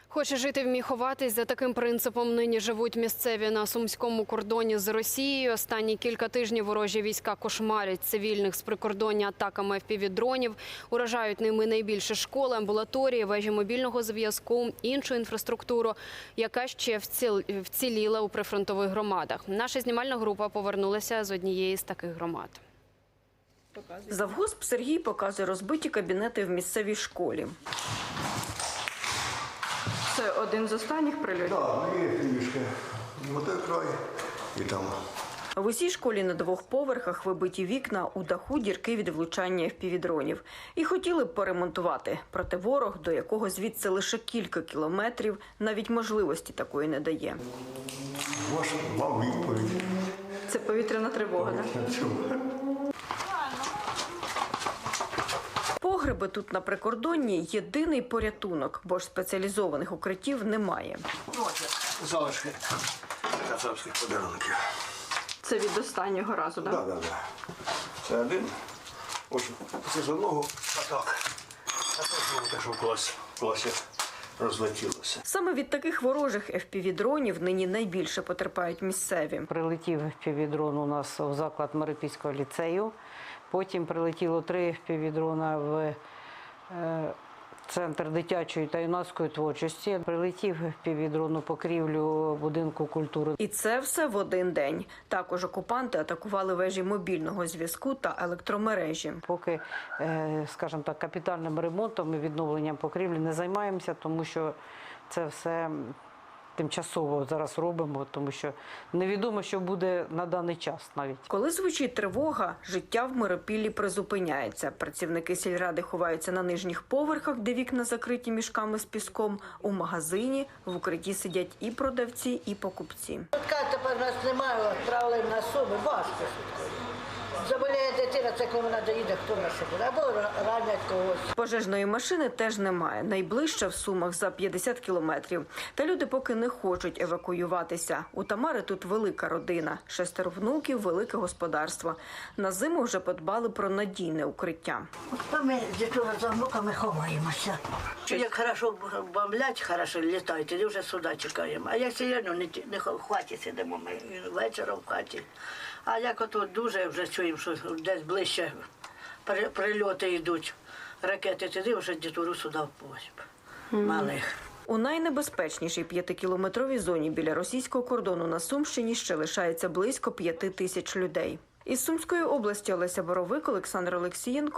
Хоче жити, вмій ховатись. За таким принципом нині живуть місцеві на сумському кордоні з Росією. Останні кілька тижнів ворожі війська кошмарять цивільних з прикордоння атаками FPV-дронів. Уражають ними найбільше школи, амбулаторії, вежі мобільного зв'язку, іншу інфраструктуру, яка ще вціліла у прифронтових громадах. Наша знімальна група повернулася з однієї з таких громад. Завгосп Сергій показує розбиті кабінети в місцевій школі. Це один з останніх прильотів? Так, є трішки. Отой край і там. В усій школі на 2 поверхах вибиті вікна, у даху дірки від влучання FPV-дронів. І хотіли б поремонтувати, проте ворог, до якого звідси лише кілька кілометрів, навіть можливості такої не дає. Вам відповідь. Це повітряна тривога, так? Погреби тут на прикордонні – єдиний порятунок, бо ж спеціалізованих укриттів немає. Залишки кацапських подарунків. Це від останнього разу, так? Так. Це один. Ось це з одного, а так. А це те, що в класі розлетілося. Саме від таких ворожих FPV-дронів нині найбільше потерпають місцеві. Прилетів FPV-дрон у нас в заклад Марипільського ліцею. Потім прилетіло 3 FPV-дрона в центр дитячої та юнацької творчості. Прилетів FPV-дрон у покрівлю будинку культури. І це все в один день. Також окупанти атакували вежі мобільного зв'язку та електромережі. Поки, скажімо так, капітальним ремонтом і відновленням покрівлі не займаємося, тому що це все тимчасово зараз робимо, тому що невідомо, що буде на даний час навіть. Коли звучить тривога, життя в Миропіллі призупиняється. Працівники сільради ховаються на нижніх поверхах, де вікна закриті мішками з піском. У магазині в укритті сидять і продавці, і покупці. Така тепер нас немає, відправили на Суми, важко. Заболіє дитина, це коли вона доїде, хто на що буде, або ранять когось. Пожежної машини теж немає. Найближча в Сумах за 50 кілометрів. Та люди поки не хочуть евакуюватися. У Тамари тут велика родина. 6 внуків, велике господарство. На зиму вже подбали про надійне укриття. То ми з дітьми за внуками ховаємося. Як хорошо бомблять, хорошо літають, тоді вже сюди чекаємо. А як сьогодні не в хаті сидимо, ми вечором в хаті. А як ото дуже вже чуємо, що десь ближче прильоти йдуть, ракети, тоді вже дітвору сюди впозь, малих. У найнебезпечнішій 5-кілометровій зоні біля російського кордону на Сумщині ще лишається близько 5 тисяч людей. Із Сумської області Олеся Боровик, Олександр Олексієнко.